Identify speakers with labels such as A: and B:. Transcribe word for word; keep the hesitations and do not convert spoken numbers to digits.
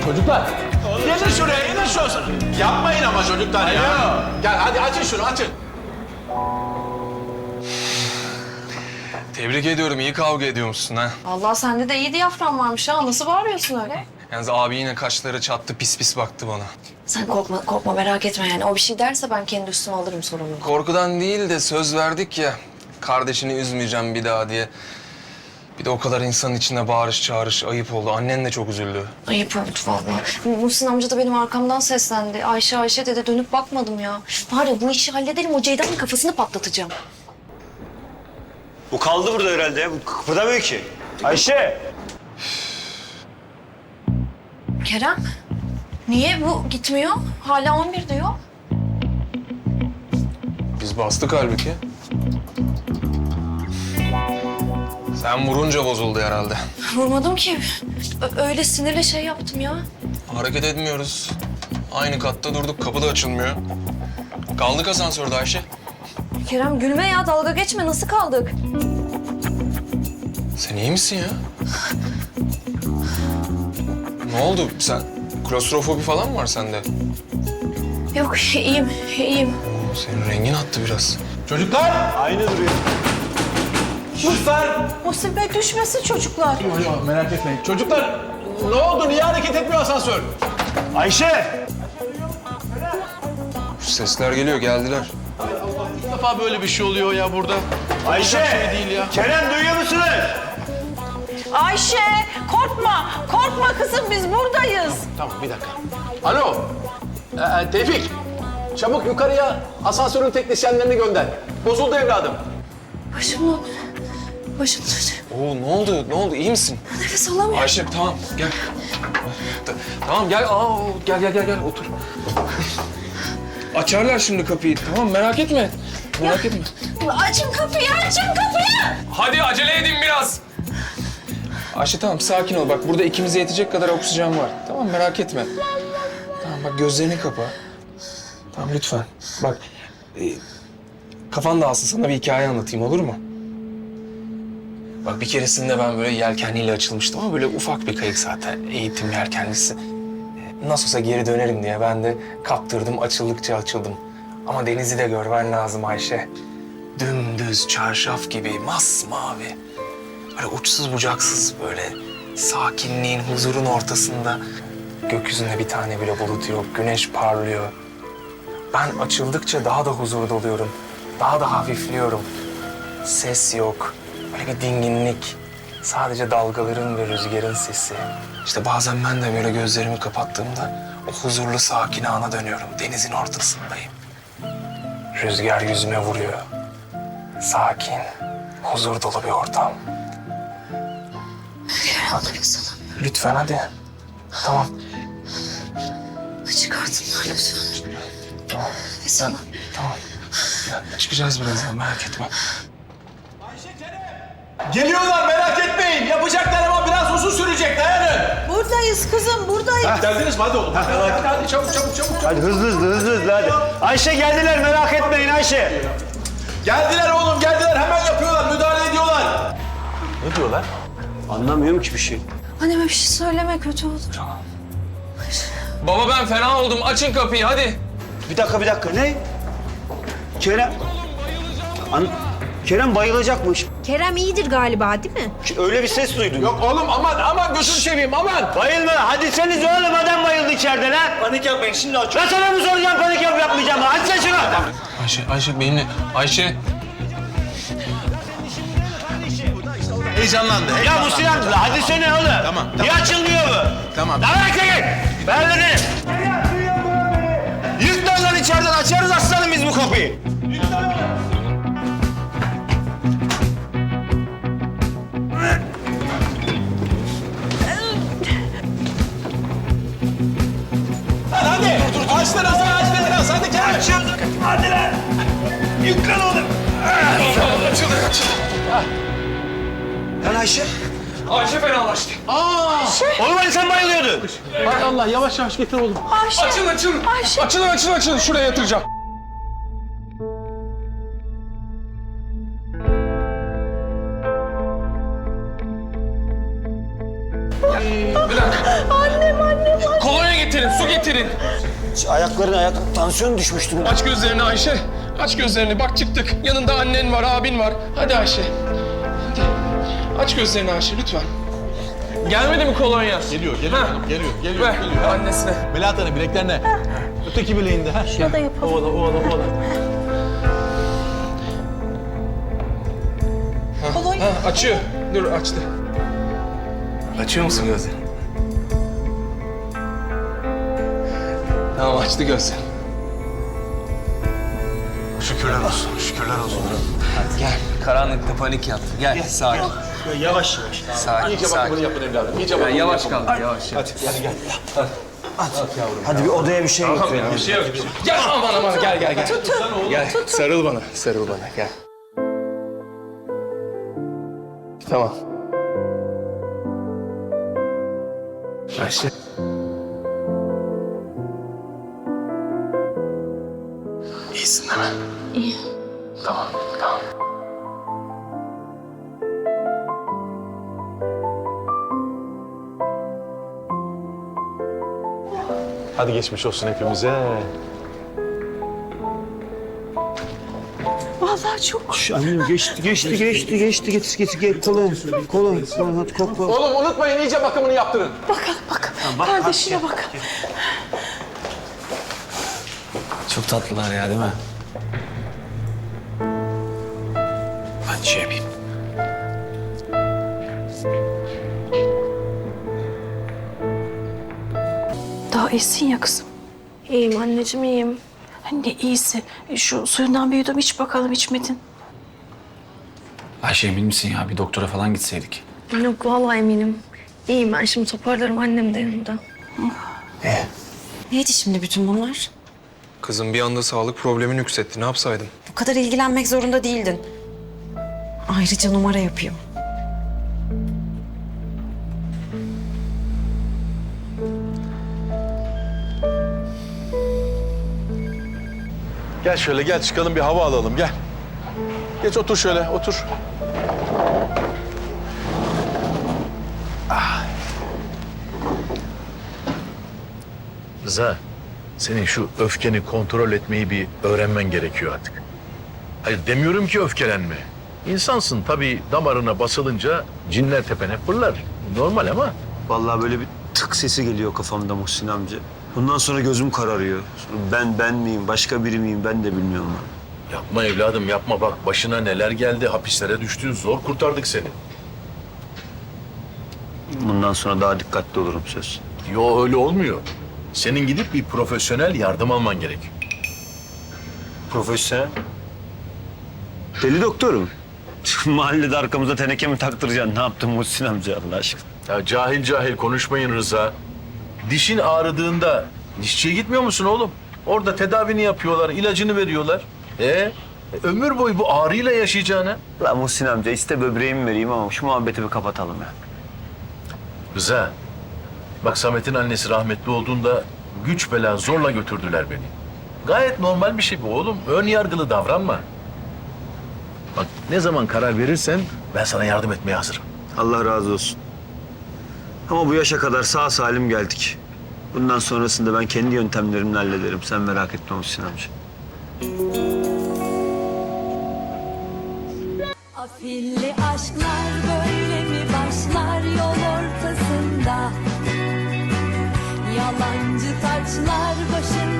A: Çocuklar. Gelin şuraya, gelin şurası. Yapmayın ama çocuklar ya. Gel hadi açın şunu, açın.
B: Tebrik ediyorum. İyi kavga ediyormuşsun ha.
C: Allah sende de iyi diyafram varmış ha. Nasıl bağırıyorsun öyle?
B: Yalnız abi yine kaşları çattı, pis pis baktı bana.
C: Sen korkma, korkma merak etme yani. O bir şey derse ben kendi üstüme alırım sorumluluğu.
B: Korkudan değil de söz verdik ya. Kardeşini üzmeyeceğim bir daha diye. Bir de o kadar insanın içinde bağırış çağırış ayıp oldu. Annen de çok üzüldü.
C: Ayıp oldu vallahi. Muhsin amca da benim arkamdan seslendi. Ayşe Ayşe dedi, dönüp bakmadım ya. Var ya bu işi halledelim, o Ceyda'nın kafasını patlatacağım.
D: Bu kaldı burada herhalde ya. Bu kıpırdamıyor ki. Ayşe!
C: Kerem, niye bu gitmiyor? Hala on bir diyor.
B: Biz bastık halbuki. Sen vurunca bozuldu herhalde.
C: Vurmadım ki. Ö- öyle sinirle şey yaptım ya.
B: Hareket etmiyoruz. Aynı katta durduk, kapı da açılmıyor. Kaldık asansörde Ayşe.
C: Kerem gülme ya, dalga geçme. Nasıl kaldık?
B: Sen iyi misin ya? Ne oldu? Sen klostrofobi falan mı var sende?
C: Yok, iyiyim, iyiyim.
B: Senin rengin attı biraz.
A: Çocuklar.
D: Aynı duruyor.
A: Çocuklar.
E: Muhsin Bey düşmesin çocuklar.
A: Yok yok merak etmeyin. Çocuklar ne oldu? Niye hareket etmiyor asansör?
D: Ayşe!
B: Sesler geliyor, geldiler.
A: İlk defa böyle bir şey oluyor ya burada.
D: Ayşe!
A: Olacak şey değil ya.
D: Kerem duyuyor musunuz?
E: Ayşe korkma, korkma kızım biz buradayız.
A: Tamam bir dakika. Alo. Ee, Tevfik. Çabuk yukarıya asansörün teknisyenlerini gönder. Bozuldu evladım.
C: Başım dönüyor. Başım dönüyor.
B: Oo, ne oldu? Ne oldu? İyi misin?
C: Nefes alamıyorum.
B: Ayşe tamam gel. Ta- Tamam gel. Aa, gel gel gel gel otur. Açarlar şimdi kapıyı. Tamam merak etme. Merak etme.
C: Açın kapıyı, açın kapıyı!
B: Hadi acele edin biraz. Ayşe tamam sakin ol. Bak burada ikimize yetecek kadar oksijen var. Tamam merak etme. Tamam bak gözlerini kapa. Tamam lütfen. Bak e, kafan dağılsın, sana bir hikaye anlatayım olur mu? Bak bir keresinde ben böyle yelkenliyle açılmıştım ama böyle ufak bir kayık zaten. Eğitim yelkenlisi. E, Nasıl olsa geri dönerim diye ben de kaptırdım, açıldıkça açıldım. Ama denizi de görmen lazım Ayşe. Dümdüz, çarşaf gibi, masmavi. Böyle uçsuz bucaksız böyle sakinliğin, huzurun ortasında. Gökyüzünde bir tane bile bulut yok, güneş parlıyor. Ben açıldıkça daha da huzur doluyorum. Daha da hafifliyorum. Ses yok. Böyle bir dinginlik. Sadece dalgaların ve rüzgarın sesi. İşte bazen ben de böyle gözlerimi kapattığımda o huzurlu sakin ana dönüyorum. Denizin ortasındayım. Rüzgar yüzüme vuruyor. Sakin, huzur dolu bir ortam.
C: Kerem nefes alamıyorum.
B: Lütfen hadi. Tamam.
C: Çıkartın lütfen.
B: Tamam.
C: Nefes alamıyorum.
B: Tamam. Ya, çıkacağız birazdan merak etme.
A: Geliyorlar merak etmeyin. Yapacaklar ama biraz uzun sürecek. Dayanın.
E: Buradayız kızım, buradayız.
A: Geldiniz mi? Hadi oğlum. Hadi, hadi, hadi çabuk çabuk çabuk. çabuk.
D: Hadi hızlı hızlı hızlı hızlı hadi. Ayşe geldiler merak etmeyin Ayşe.
A: Geldiler oğlum geldiler. Hemen yapıyorlar. Müdahale ediyorlar. Ne diyorlar?
D: Anlamıyorum ki bir şey.
C: Anneme bir şey söyleme, kötü olur.
B: Baba ben fena oldum. Açın kapıyı hadi.
D: Bir dakika bir dakika ne? Kerem... An... Kerem bayılacakmış.
F: Kerem iyidir galiba değil mi?
D: Öyle bir ses duydum.
A: Yok oğlum aman aman gözünü seveyim aman.
D: Bayılma. Hadi seniz oğlum adam bayıldı içeride lan. Panik yapmayın şimdi aç. Ben sana mı soracağım panik yap yapmayacağım mı? Hadi sen şunu.
B: Ayşe, Ayşe benimle. Ayşe.
A: Heyecanlandı.
D: Ya bu silah hadi sene oğlum.
A: Tamam,
D: Niye
A: tamam.
D: açılmıyor bu?
A: Tamam.
D: Lan çekil. Ben dedim. Yüklen lan içeriden açarız aslanım biz bu kapıyı.
A: Hadi. Açtın Hasan açtın biraz. Hadi gel.
D: Açıldık. Hadi lan. Yüklen oğlum.
B: Açılın açılın.
D: Lan Ayşe.
B: Ayşe fenalaştı.
D: Oğlum hani sen bayılıyordun.
A: Hay Allah yavaş yavaş getir oğlum.
B: Açın açın.
C: Ayşe.
B: Açılın açılın açılın. Şuraya yatıracağım.
E: Annem, annem, annem.
B: getirin.
D: Ayaklarına ayak tansiyon düşmüştür.
B: Aç gözlerini Ayşe. Aç gözlerini. Bak çıktık. Yanında annen var, abin var. Hadi Ayşe. Hadi. Aç gözlerini Ayşe lütfen. Gelmedi mi kolonya?
A: Geliyor, geliyor
B: Ha.
A: hanım, geliyor, geliyor,
B: Ver
A: geliyor.
B: annesine.
A: Melahat Hanım bileklerine. Öteki bileğinde. Ha.
E: Şunu da yapalım.
A: Ovala, ovala, ovala.
E: Kolonya.
B: Ha, açıyor. Dur açtı. Açıyor musun gözlerini? Tamam açtı gözlerini.
A: Şükürler olsun, şükürler olsun.
B: Gel. Karanlıkta panik yaptı. Gel sakin.
D: Yavaş yavaş.
B: Sakin,
A: İyice
B: sakin.
A: bakımını yapın evladım, iyice bakımını
B: Yavaş
A: yapın.
B: kal, yavaş.
A: Hadi, gel, gel.
D: Hadi bir odaya bir şey götürelim.
B: Bir şey yok. Gel aman aman gel gel gel. Gel sarıl bana, sarıl bana gel. Tamam. Ayşe. İyisin değil mi? İyi. Tamam, tamam.
A: Hadi geçmiş olsun hepimize.
E: Vallahi çok.
D: Şu annem geçti, geçti, geçti, geçti. Getir, getir, getir. Kolum, kolum, kolum. Hadi kokla.
A: Oğlum unutmayın iyice bakımını yaptırın.
E: Bakalım bakalım. Kardeşine bak.
G: Çok tatlılar ya değil mi? Ben şey yapayım.
E: Daha iyisin ya kızım.
C: İyiyim anneciğim iyiyim.
E: Ne iyisi. Şu suyundan bir yudum iç bakalım, içmedin.
G: Ayşe emin misin ya? Bir doktora falan gitseydik.
C: Yok vallahi eminim. İyiyim ben şimdi toparlarım annem de yanımda.
H: Neydi şimdi bütün bunlar?
B: Kızım bir anda sağlık problemi nüksetti. Ne yapsaydım?
H: Bu kadar ilgilenmek zorunda değildin. Ayrıca numara yapıyor.
A: Gel şöyle gel çıkalım bir hava alalım gel. Geç otur şöyle otur.
I: Rıza, senin şu öfkeni kontrol etmeyi bir öğrenmen gerekiyor artık. Hayır demiyorum ki öfkelenme. İnsansın tabii damarına basılınca cinler tepene fırlar. Normal ama
D: Vallahi böyle bir tık sesi geliyor kafamda Muhsin amca. Bundan sonra gözüm kararıyor. Ben ben miyim, başka biri miyim ben de bilmiyorum.
I: yapma evladım yapma bak başına neler geldi. Hapislere düştün zor kurtardık seni.
D: Bundan sonra daha dikkatli olurum söz.
I: Yo öyle olmuyor. Senin gidip bir profesyonel yardım alman gerekiyor.
D: Profesyonel. Deli doktorum. Mahallede arkamıza teneke mi taktıracaksın? Ne yaptın Muhsin amca Allah aşkına?
I: Ya cahil cahil konuşmayın Rıza. Dişin ağrıdığında dişçiye gitmiyor musun oğlum? Orada tedavini yapıyorlar, ilacını veriyorlar. E, ömür boyu bu ağrıyla yaşayacağına.
D: La Muhsin amca iste böbreğimi vereyim ama şu muhabbeti bir kapatalım ya.
I: Rıza, bak Samet'in annesi rahmetli olduğunda güç bela zorla götürdüler beni. Gayet normal bir şey bu oğlum. Ön yargılı davranma. Bak ne zaman karar verirsen ben sana yardım etmeye hazırım.
D: Allah razı olsun. Ama bu yaşa kadar sağ salim geldik. Bundan sonrasında ben kendi yöntemlerimle hallederim. Sen merak etme Muhsin amca.
J: Afilli aşklar böyle mi başlar yol ortasında? Yalancı taçlar başında.